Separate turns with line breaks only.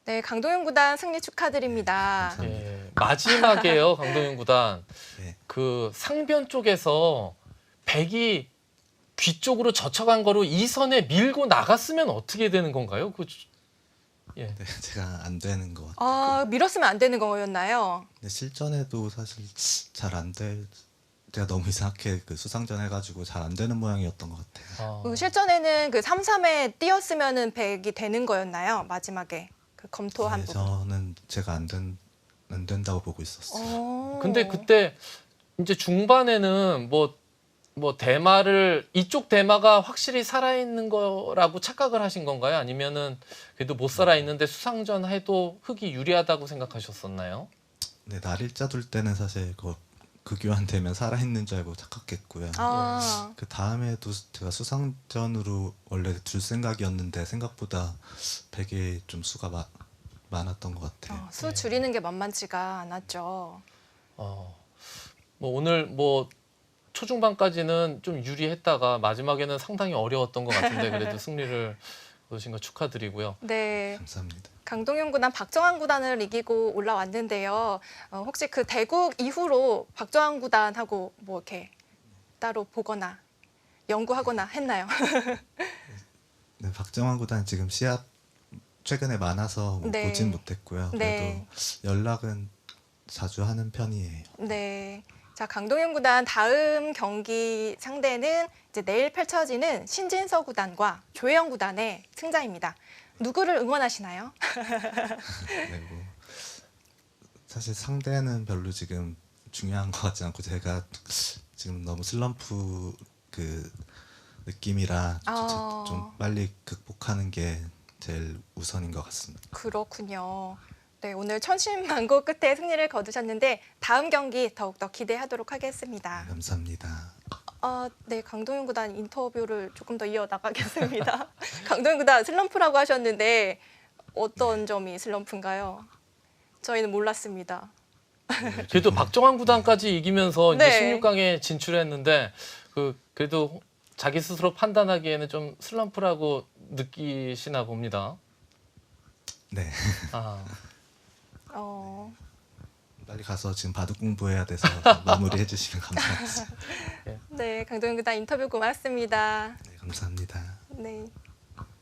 네, 강동윤 구단 승리 축하드립니다.
감사합니다.
예, 마지막에요, 강동윤 구단.
네.
그 상변 쪽에서 백이 귀 쪽으로 젖혀간 거로 이 선에 밀고 나갔으면 어떻게 되는 건가요? 예.
네, 제가 안 되는 것 같아요.
아, 밀었으면 안 되는 거였나요?
근데 실전에도 사실 잘 안 될. 제가 너무 이상하게 그 수상전 해가지고 잘 안 되는 모양이었던 것 같아요.
그 실전에는 그 3-3에 뛰었으면은 100이 되는 거였나요? 마지막에 그 검토한
네,
부분.
저는 제가 안 된다고 보고 있었어요.
근데 그때 이제 중반에는 뭐 대마를 이쪽 대마가 확실히 살아있는 거라고 착각을 하신 건가요? 아니면은 그래도 못 살아있는데 수상전 해도 흙이 유리하다고 생각하셨었나요?
네, 날일자 둘 때는 사실 그 교환 되면 살아있는 줄 알고 착각했고요.
아,
그 다음에도 제가 수상전으로 원래 둘 생각이었는데 생각보다 백에 좀 수가 많았던 것 같아요.
수 줄이는 게 만만치가 않았죠.
뭐 오늘 뭐 초중반까지는 좀 유리했다가 마지막에는 상당히 어려웠던 것 같은데 그래도 승리를 거두신 거 축하드리고요.
네,
감사합니다.
강동윤 구단 박정환 구단을 이기고 올라왔는데요. 혹시 그 대국 이후로 박정환 구단하고 뭐 이렇게 따로 보거나 연구하거나 했나요?
네, 박정환 구단 지금 시합 최근에 많아서 뭐
네.
보진 못했고요. 그래도
네.
연락은 자주 하는 편이에요.
네. 자, 강동윤 구단 다음 경기 상대는 이제 내일 펼쳐지는 신진서 구단과 조혜영 구단의 승자입니다. 누구를 응원하시나요?
네, 뭐 사실 상대는 별로 지금 중요한 것 같지 않고 제가 지금 너무 슬럼프 그 느낌이라 좀 빨리 극복하는 게 제일 우선인 것 같습니다.
그렇군요. 네, 오늘 천신만고 끝에 승리를 거두셨는데 다음 경기 더욱더 기대하도록 하겠습니다.
네, 감사합니다.
네, 강동윤 구단 인터뷰를 조금 더 이어나가겠습니다. 강동윤 구단 슬럼프라고 하셨는데 어떤 점이 슬럼프인가요? 저희는 몰랐습니다.
그래도 박정환 구단까지 이기면서 이제
네.
16강에 진출했는데 그래도 자기 스스로 판단하기에는 좀 슬럼프라고 느끼시나 봅니다.
네,
아,
빨리 가서 지금 바둑 공부해야 돼서 마무리해 주시면 감사하겠습니다.
네, 강동윤 구단 인터뷰 고맙습니다.
네, 감사합니다.
네.